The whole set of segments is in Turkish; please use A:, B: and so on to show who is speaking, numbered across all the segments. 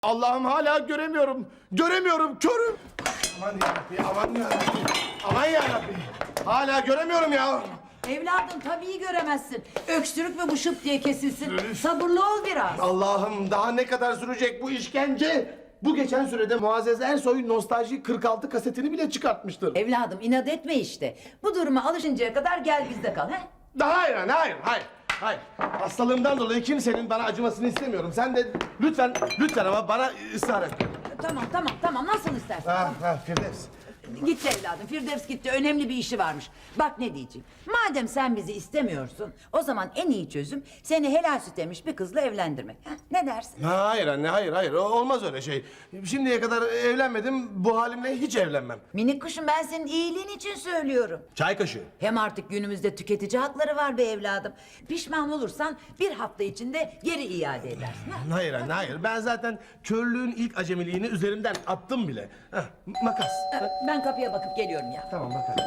A: Allah'ım hala göremiyorum. Göremiyorum, körüm. Aman yarabbi, aman yarabbi. Aman yarabbi. Hala göremiyorum ya.
B: Evladım tabii göremezsin. Öksürük mü bu şıp diye kesilsin. Sabırlı ol biraz.
A: Allah'ım daha ne kadar sürecek bu işkence? Bu geçen sürede Muazzez Ersoy Nostalji 46 kasetini bile çıkartmıştır.
B: Evladım inat etme işte. Bu duruma alışıncaya kadar gel bizde kal. He?
A: Hayır, hayır. Hastalığımdan dolayı kimsenin bana acımasını istemiyorum. Sen de lütfen ama bana ısrar et.
B: Tamam nasıl istersen.
A: Firdevs.
B: Gitti evladım. Firdevs gitti. Önemli bir işi varmış. Bak ne diyeceğim. Madem sen bizi istemiyorsun, o zaman en iyi çözüm seni helal süt emmiş bir kızla evlendirmek. Ha? Ne dersin?
A: Hayır anne, hayır. Olmaz öyle şey. Şimdiye kadar evlenmedim, bu halimle hiç evlenmem.
B: Minik kuşum ben senin iyiliğin için söylüyorum.
A: Çay kaşığı.
B: Hem artık günümüzde tüketici hakları var be evladım. Pişman olursan bir hafta içinde geri iade edersin. Ha?
A: Hayır anne, hayır. Ben zaten körlüğün ilk acemiliğini üzerimden attım bile. Heh, makas.
B: Ben kapıya bakıp geliyorum ya.
A: Tamam, bakalım.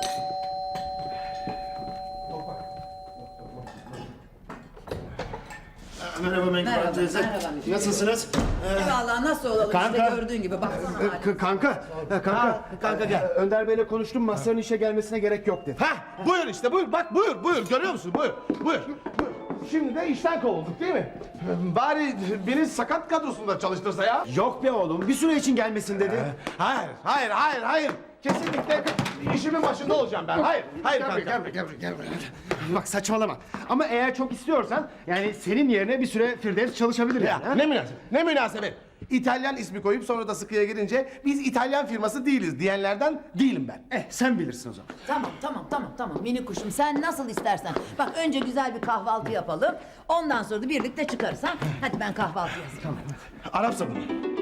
C: Merhaba Menkıbe
B: Merhaba,
C: teyze.
B: merhaba.
C: Nasılsınız?
B: Eyvallah nasıl olalım
C: Kanka.
B: işte gördüğün gibi baksana haline.
A: Kanka gel.
C: Önder Bey'le konuştum. Mazhar'ın işe gelmesine gerek yok dedi.
A: Hah, buyur işte, buyur. Bak buyur. Görüyor musun? Buyur. Şimdi de işten kovulduk değil mi? Bari beni sakat kadrosunda çalıştırsa ya.
C: Yok be oğlum. Bir süre için gelmesin dedi.
A: Hayır. Kesinlikle işimin başında olacağım ben. Hayır kanka.
C: Gel buraya. Bak saçmalama. Ama eğer çok istiyorsan yani senin yerine bir süre Firdevs çalışabilir yani. ha?
A: Ne münasebet. İtalyan ismi koyup sonra da sıkıya girince biz İtalyan firması değiliz diyenlerden değilim ben.
C: Sen bilirsin o zaman.
B: Tamam minik kuşum sen nasıl istersen. Bak önce güzel bir kahvaltı yapalım. Ondan sonra da birlikte çıkarız ha. Hadi ben kahvaltı yazayım. Tamam.
A: Arap sabunu.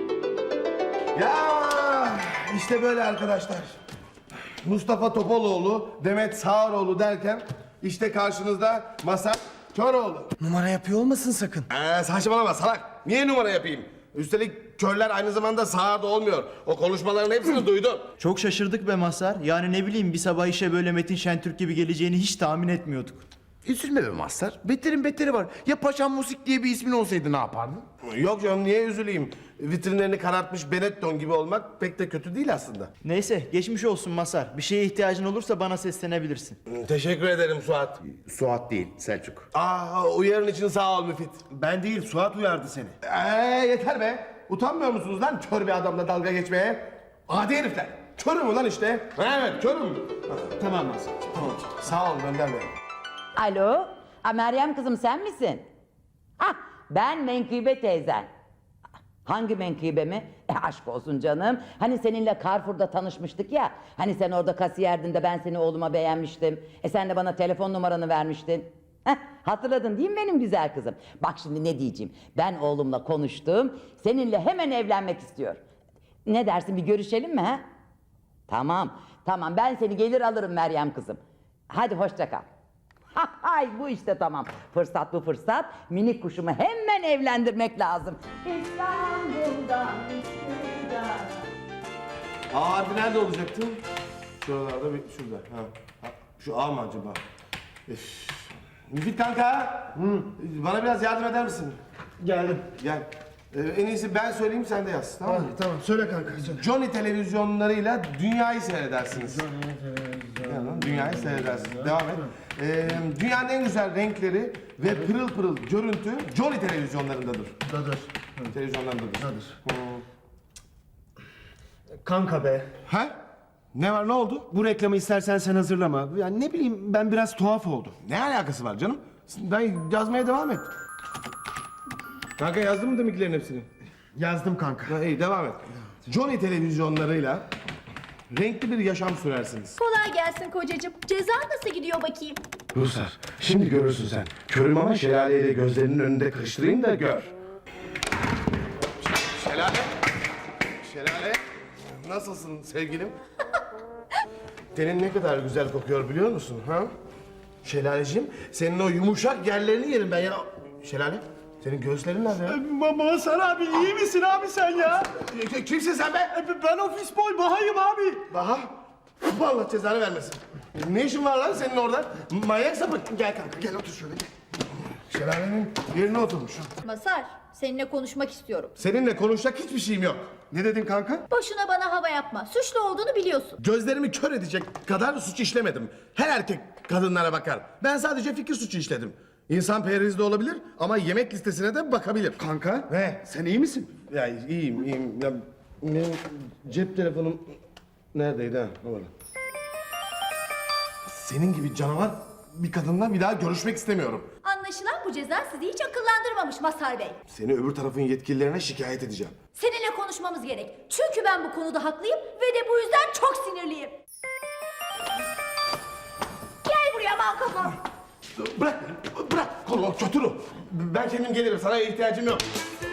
A: Ya işte böyle arkadaşlar. Mustafa Topaloğlu, Demet Sağaroğlu derken işte karşınızda Mazhar Köroğlu.
C: Numara yapıyor olmasın sakın.
A: Saçmalama salak. Niye numara yapayım? Üstelik körler aynı zamanda sağırda olmuyor. O konuşmaların hepsini duydum.
D: Çok şaşırdık be Mazhar. Yani ne bileyim bir sabah işe böyle Metin Şentürk gibi geleceğini hiç tahmin etmiyorduk.
E: Üzülme be Mazhar. Beterin beteri var. Ya Paşam Musik diye bir ismin olsaydı ne yapardın?
A: Yok canım niye üzüleyim? Vitrinlerini karartmış Benetton gibi olmak pek de kötü değil aslında.
D: Neyse geçmiş olsun Mazhar. Bir şeye ihtiyacın olursa bana seslenebilirsin.
A: Teşekkür ederim Suat.
E: Suat değil, Selçuk.
A: Uyarın için sağ ol Müfit.
C: Ben değil Suat uyardı seni.
A: Yeter be. Utanmıyor musunuz lan kör bir adamla dalga geçmeye? Adi herifler. Körüm ulan işte. Evet körüm.
C: Tamam Mazhar. Tamam.
A: Sağ olun Önder Bey.
B: Alo. Meryem kızım sen misin? Ben Menkıbe teyzen. Hangi Menkıbe mi? Aşk olsun canım. Hani seninle Carrefour'da tanışmıştık ya. Hani sen orada kasiyerdin de ben seni oğluma beğenmiştim. Sen de bana telefon numaranı vermiştin. Hatırladın değil mi benim güzel kızım? Bak şimdi ne diyeceğim. Ben oğlumla konuştum. Seninle hemen evlenmek istiyor. Ne dersin bir görüşelim mi ha? Tamam ben seni gelir alırım Meryem kızım. Hadi hoşça kal. Hay bu işte tamam. Fırsat bu fırsat. Minik kuşumu hemen evlendirmek lazım. İstanbul'dan
A: Harbi nerede olacaktı? Şuralarda şurada. Şu ağ mı acaba? Müfit kanka. Bana biraz yardım eder misin?
C: Geldim.
A: Gel. En iyisi ben söyleyeyim sen de yaz. Tamam mı?
C: Tamam söyle kanka. Söyle.
A: Johnny televizyonlarıyla dünyayı seyredersiniz. Dünyayı seyredersiniz. Devam et. Dünyanın en güzel renkleri ve pırıl pırıl görüntü Johnny televizyonlarındadır.
C: Dadır.
A: Televizyonlarındadır.
C: Dadır. Kanka be.
A: Ha? Ne var ne oldu?
C: Bu reklamı istersen sen hazırlama. Yani ne bileyim ben biraz tuhaf oldum.
A: Ne alakası var canım? Ben yazmaya devam et. Kanka yazdın mı deminkilerin hepsini?
C: Yazdım kanka.
A: İyi devam et. Johnny televizyonlarıyla renkli bir yaşam sürersiniz.
F: Kolay gelsin kocacığım. Ceza nasıl gidiyor bakayım?
A: Ruslar, şimdi görürsün sen. Körüm ama şelaleyle gözlerinin önünde kırıştırayım da gör. Şelale, nasılsın sevgilim? Tenin ne kadar güzel kokuyor biliyor musun ha? Şelaleciğim, senin o yumuşak yerlerini yerim ben ya. Şelale, senin göğüslerin nerede ya?
C: Mazhar abi iyi misin abi sen ya?
A: Kimsin sen be?
C: Ben ofis boy Baha'yım abi.
A: Baha, Allah cezanı vermesin. Ne işin var lan senin orada? Manyak sapık. Gel kanka, gel otur şöyle. Şelalenin yerine oturmuş.
F: Masar, seninle konuşmak istiyorum.
A: Seninle konuşacak hiçbir şeyim yok.
C: Ne dedin kanka?
F: Boşuna bana hava yapma. Suçlu olduğunu biliyorsun.
A: Gözlerimi kör edecek kadar suç işlemedim. Her erkek kadınlara bakar. Ben sadece fikir suçu işledim. İnsan perhizli olabilir ama yemek listesine de bakabilir.
C: Kanka?
A: Ne?
C: Sen iyi misin?
A: Ya iyiyim. Ya, benim cep telefonum neredeydi ha? Ne var? Senin gibi canavar bir kadınla bir daha görüşmek istemiyorum.
F: Anlaşılan bu ceza sizi hiç akıllandırmamış Masar Bey.
A: Seni öbür tarafın yetkililerine şikayet edeceğim.
F: Seninle konuşmamız gerek. Çünkü ben bu konuda haklıyım ve de bu yüzden çok sinirliyim. Gel buraya mal kafam.
A: Bırak kolumu kötürü. Ben kendim gelirim, sana ihtiyacım yok.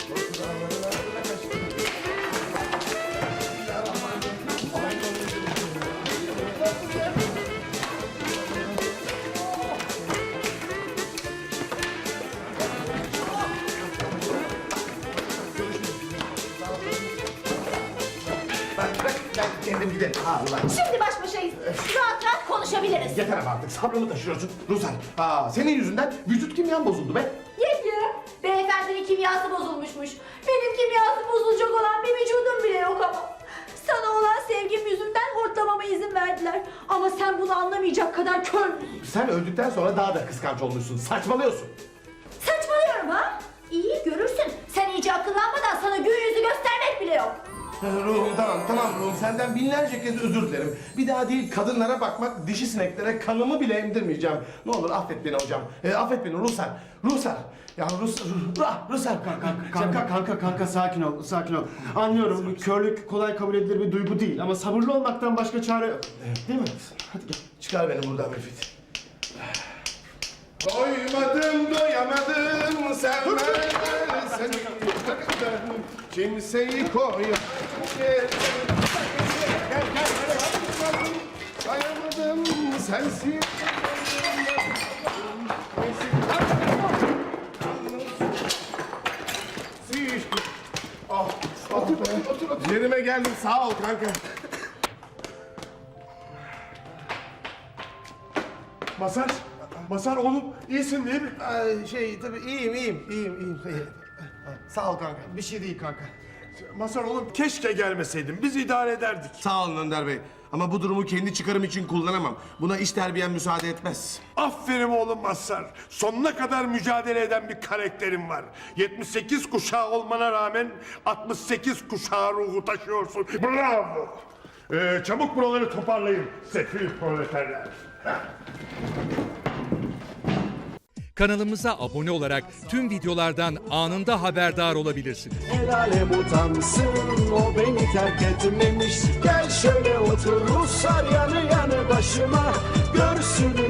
A: Bırak, ben kendim giderim. Allah.
F: Şimdi baş başayız. Rahat rahat konuşabiliriz.
A: Yeter ama artık sabrımı taşıyorsun Ruslan. Senin yüzünden vücut kimyam bozuldu be.
F: Yenge, beyefendinin kimyası bozulmuşmuş. Benim kimyası bozulacak olan bir vücudum bile yok ama. Sana olan sevgim yüzünden hortlamama izin verdiler. Ama sen bunu anlamayacak kadar kör müsün?
A: Sen öldükten sonra daha da kıskanç olmuşsun. Saçmalıyorsun.
F: Saçmalıyorum ha? İyi görürsün. Sen iyice akıllanmadan sana gün yüzü göstermek bile yok.
A: Ruhum tamam Ruhum. Senden binlerce kez özür dilerim. Bir daha değil kadınlara bakmak, dişi sineklere kanımı bile emdirmeyeceğim. Ne olur affet beni hocam. Affet beni Ruslar. Ya Ruslar.
C: Kanka sakin ol, sakin ol. Anlıyorum, körlük kolay kabul edilir bir duygu değil ama sabırlı olmaktan başka çare yok. Değil mi?
A: Hadi gel. Çıkar beni buradan Müfit. Doyamadım sevmeden seni kimseyi koyamadım. Doyamadım sensiz. Otur. Yerime geldim sağ ol kanka.
G: Masar oğlum iyisin değil mi?
A: Tabii iyiyim. Sağ ol kanka.
C: Bir şey değil kanka.
G: Masar oğlum keşke gelmeseydin. Biz idare ederdik.
A: Sağ olun Önder Bey. Ama bu durumu kendi çıkarım için kullanamam. Buna iş terbiyem müsaade etmez.
G: Aferin oğlum Masar. Sonuna kadar mücadele eden bir karakterin var. 78 kuşağı olmana rağmen 68 kuşağı ruhu taşıyorsun. Bravo. Çabuk buraları toparlayın sefil proleterler.
H: Kanalımıza abone olarak tüm videolardan anında haberdar olabilirsiniz.
I: El alem utansın, o beni terk etmemiş. Gel şöyle otur Ruslar yanı yanı başıma. Görsün